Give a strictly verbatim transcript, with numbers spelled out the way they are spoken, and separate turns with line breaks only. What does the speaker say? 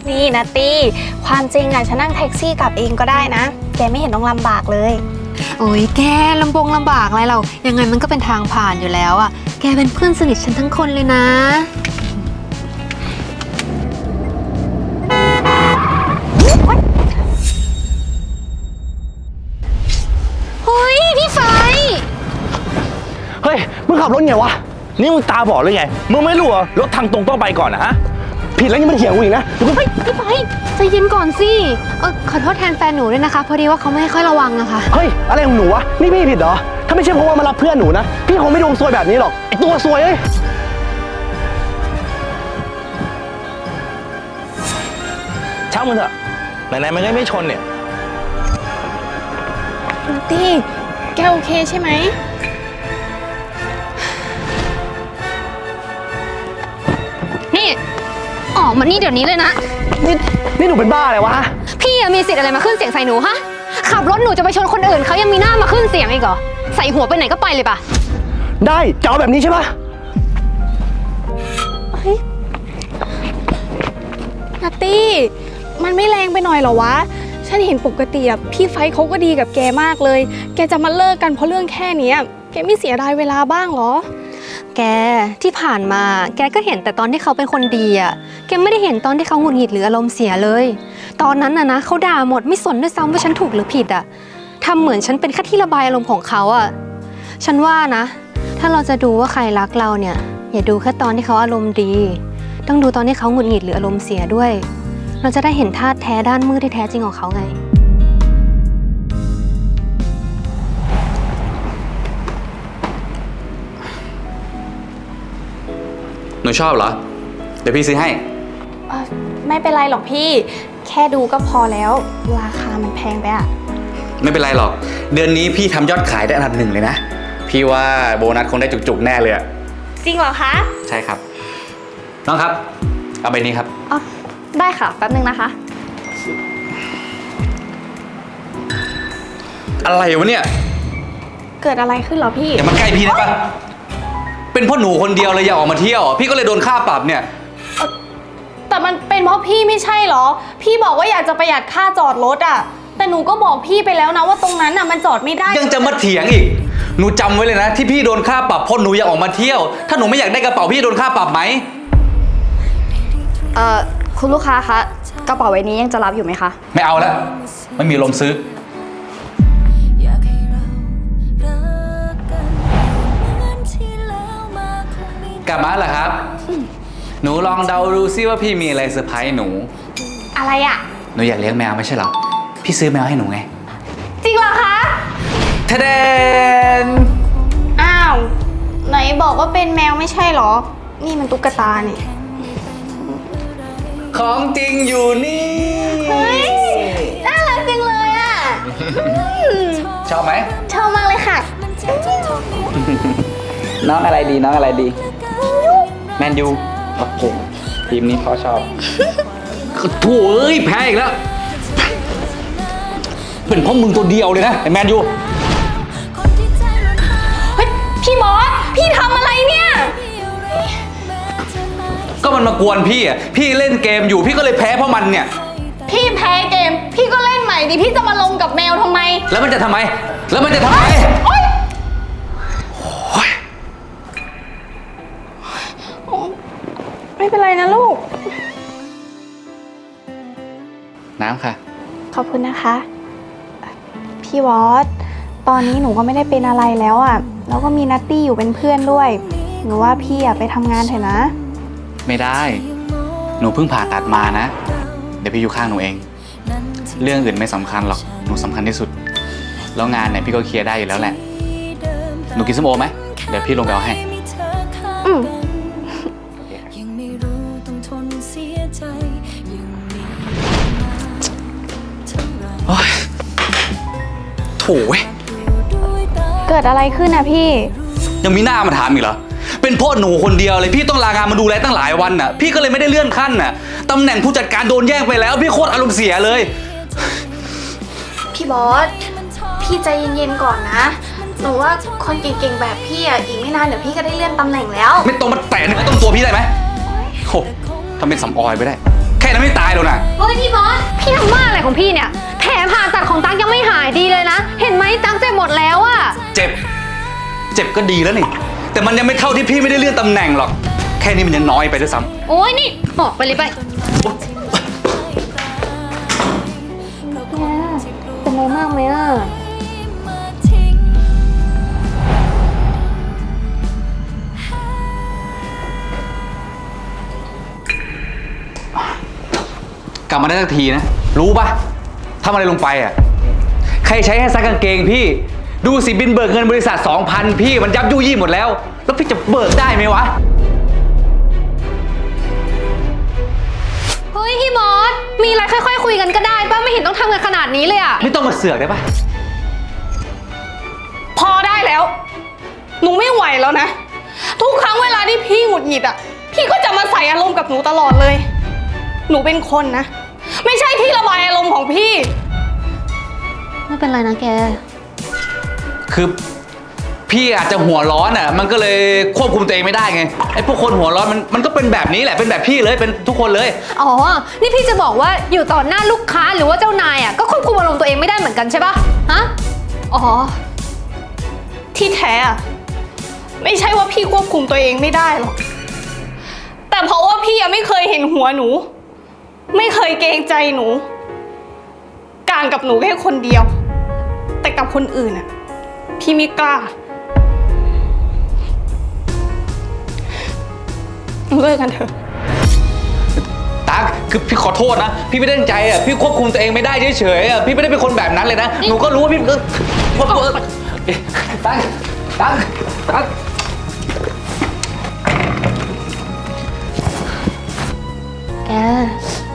นี่นะตี้ความจริงอ่ะฉันนั่งแท็กซี่กลับเองก็ได้นะแกไม่เห็นต้องลำบากเลย
โอ้ยแกลำบงลำบากอะไรเรายังไงมันก็เป็นทางผ่านอยู่แล้วอ่ะแกเป็นเพื่อนสนิทฉันทั้งคนเลยนะเฮ้ยพี่ไฟ
เฮ้ยมึงขับรถไงวะนี่มึงตาบอดหรือไงมึงไม่รู้เหรอรถทางตรงต้องไปก่อนนะฮะผิดแล้วยังมันเถียงกูอีกนะเฮ้ย
พี่ไฟใจเย็นก่อนสิเออขอโทษแทนแฟนหนูด้วยนะคะพอดีว่าเขาไม่ค่อยระวังอะค่ะ
เฮ้ยอะไรของหนูวะนี่พี่ผิดเหรอถ้าไม่ใช่เพราะว่ามารับเพื่อนหนูนะพี่คงไม่ดวงซวยแบบนี้หรอกไอตัวซวยเอ้ยช่างมันเถอะไหนๆมันก็ไม่ชนเนี่ย
นัตตี้แกโอเคใช่ไหม
นี่ออกมานี่เดี๋ยวนี้เลยนะ
นี่นี่หนูเป็นบ้าอะไรวะ
พี่มีสิทธิ์อะไรมาขึ้นเสียงใส่หนูฮะขับรถหนูจะไปชนคนอื่นเขายังมีหน้ามาขึ้นเสียงอีกเหรอใส่หัวไปไหนก็ไปเลยปะ
ได้จะเอาแบบนี้ใช่ปะ
เฮ้ยนัตตี้มันไม่แรงไปหน่อยเหรอวะฉันเห็นปกติอะพี่ไฟเขาก็ดีกับแกมากเลยแกจะมาเลิกกันเพราะเรื่องแค่นี้แกไม่เสียดายเวลาบ้างเหรอ
แกที่ผ่านมาแกก็เห็นแต่ตอนที่เขาเป็นคนดีอ่ะแกไม่ได้เห็นตอนที่เขาหงุดหงิดหรืออารมณ์เสียเลยตอนนั้นน่ะนะเขาด่าหมดไม่สนด้วยซ้ำว่าฉันถูกหรือผิดอ่ะทำเหมือนฉันเป็นแค่ที่ระบายอารมณ์ของเขาอ่ะฉันว่านะถ้าเราจะดูว่าใครรักเราเนี่ยอย่าดูแค่ตอนที่เขาอารมณ์ดีต้องดูตอนที่เขาหงุดหงิดหรืออารมณ์เสียด้วยเราจะได้เห็นธาตุแท้ด้านมืดที่แท้จริงของเขาไง
หนูชอบเหรอเดี๋ยวพี่ซื้อให้
เออไม่เป็นไรหรอกพี่แค่ดูก็พอแล้วราคามันแพงไปอะ
ไม่เป็นไรหรอกเดือนนี้พี่ทำยอดขายได้อันดับหนึ่งเลยนะพี่ว่าโบนัสคงได้จุกๆแน่เลยอะ
จริงเหรอคะ
ใช่ครับน้องครับเอาใบนี้ครับ
อ๋อได้ค่ะแป๊บนึงนะคะ
อะไรวะเนี่ย
เกิดอะไรขึ้นเหรอพี่
อย่ามาใกล้พี่ได้ปะเป็นพ่อหนูคนเดียวเลยอย่าออกมาเที่ยวพี่ก็เลยโดนค่าปรับเนี่ย
แต่มันเป็นเพราะพี่ไม่ใช่เหรอพี่บอกว่าอยากจะประหยัดค่าจอดรถอะแต่หนูก็บอกพี่ไปแล้วนะว่าตรงนั้นอะมันจอดไม่ได้
ยังจะมาเถียงอีกหนูจำไว้เลยนะที่พี่โดนค่าปรับเพราะหนูอยากออกมาเที่ยวถ้าหนูไม่อยากได้กระเป๋าพี่โดนค่าปรับไหม
เอ่อคุณลูกค้าคะกระเป๋าใบนี้ยังจะรับอยู่ไหมคะ
ไม่เอาแล้วไม่มีลมซื้อกลับมาเหรอครับหนูลองเดาดูซิว่าพี่มีอะไรเซอร์ไพรส์หนู
อะไรอ่ะ
หนูอยากเลี้ยงแมวไม่ใช่เหรอพี่ซื้อแมวให้หนูไง
จริงเหรอคะ
ทะเดน
อ้าวไหนบอกว่าเป็นแมวไม่ใช่เหรอนี่มันตุ๊กตาเนี่ย
ของจริงอยู่นี่
เฮ้ยน่ารักจังเลยอ่ะ
ชอบไหม
ชอบมากเลยค่ะ
น้องอะไรดีน้องอะไรดีแมนยูโอเคทีมนี้พ่อชอบโถ่เอ้ยแพ้อีกแล้วเป็นเพราะมึงตัวเดียวเลยนะไอ้แมนยู
เฮ้ยพี่บอสพี่ทำอะไรเนี่ย
ก็มันมากวนพี่อ่ะพี่เล่นเกมอยู่พี่ก็เลยแพ้เพราะมันเนี่ย
พี่แพ้เกมพี่ก็เล่นใหม่ดิพี่จะมาลงกับแมวทำไม
แล้วมันจะทำไมแล้วมันจะทำไม
ไม่เป็นไรนะลูก
น้ำค่ะ
ขอบคุณนะคะพี่วอสตอนนี้หนูก็ไม่ได้เป็นอะไรแล้วอ่ะแล้วก็มีนัตตี้อยู่เป็นเพื่อนด้วยหนูว่าพี่อ่ะไปทำงานเถอะนะ
ไม่ได้หนูเพิ่งผ่าตัดมานะเดี๋ยวพี่อยู่ข้างหนูเองเรื่องอื่นไม่สำคัญหรอกหนูสำคัญที่สุดแล้วงานเนี่ยพี่ก็เคลียร์ได้อยู่แล้วแหละหนูกินส้มโอไหมเดี๋ยวพี่ลงไปเอาให้
อืม
โถ่เว้ย
เกิดอะไรขึ้นนะพี่
ยังมีหน้ามาถามอีกเหรอเป็นพ่อหนูคนเดียวเลยพี่ต้องลางานมาดูแลตั้งหลายวันน่ะพี่ก็เลยไม่ได้เลื่อนขั้นน่ะตำแหน่งผู้จัดการโดนแย่งไปแล้วพี่โคตรอารมณ์เสียเลย
พี่บอสพี่ใจเย็นๆก่อนนะหนูว่าคนเก่งๆแบบพี่อ่ะอีกไม่นานเดี๋ยวพี่ก็ได้เลื่อนตำแหน่งแล้ว
ไม่ต้องมาแตะเนื้อต้องตัวพี่ได้ไหมโอ้ทำเป็นสำออยไปได้แค่นั้นไม่ตายหรอกนะ
ของพี่เนี่ยแผลผ่าตัดของตั๊กยังไม่หายดีเลยนะ เห็นไหมตั๊กเจ็บหมดแล้วอะ
เจ็บ เจ็บก็ดีแล้วนี่ แต่มันยังไม่เท่าที่พี่ไม่ได้เลื่อนตำแหน่งหรอก แค่นี้มันยังน้อยไปด้วยซ้
โอ้ยนี่บอกไปเลยไปแกเป็นไรมากไหมอะ
ำกลับมาได้สักทีนะ รู้ปะทำอะไรลงไปอ่ะ ใครใช้ให้ซักกางเกงพี่ ดูสิบินเบิกเงินบริษัท สองพัน พี่มันยับยุยี่หมดแล้ว แล้วพี่จะเบิกได้ไหมวะ
เฮ้ยพี่มอสมีอะไรค่อยๆคุยกันก็ได้ป้าไม่เห็นต้องทำกันขนาดนี้เลยอะ
ไม่ต้องมาเสือกได้ปะ
พอได้แล้ว หนูไม่ไหวแล้วนะ ทุกครั้งเวลาที่พี่หงุดหงิดอ่ะ พี่ก็จะมาใส่อารมณ์กับหนูตลอดเลย หนูเป็นคนนะ ไม่ใช่ที่ระบายอารมณ์ของพี่
ไม่เป็นไรนะแก
คือพี่อาจจะหัวร้อนอ่ะ มันก็เลยควบคุมตัวเองไม่ได้ไง ไอ้พวกคนหัวร้อนมันมันก็เป็นแบบนี้แหละ เป็นแบบพี่เลย เป็นทุกคนเลย
อ๋อ นี่พี่จะบอกว่าอยู่ต่อหน้าลูกค้าหรือว่าเจ้านายอ่ะก็ควบคุมอารมณ์ตัวเองไม่ได้เหมือนกันใช่ปะฮะ อ๋อ
ที่แท้อะไม่ใช่ว่าพี่ควบคุมตัวเองไม่ได้หรอก แต่เพราะว่าพี่ยังไม่เคยเห็นหัวหนู ไม่เคยเกรงใจหนูกลางกับหนูแค่คนเดียว แต่กับคนอื่นอะพี่ไม่กล้าเลิกกันเถอะ
ตั๊กคือพี่ขอโทษนะ พี่ไม่ได้ตั้งใจอ่ะ พี่ควบคุมตัวเองไม่ได้เฉยๆอ่ะ พี่ไม่ได้เป็นคนแบบนั้นเลยนะ หนูก็รู้ว่าพี่ก็ว่าตั๊กตั๊กตั๊ก
แก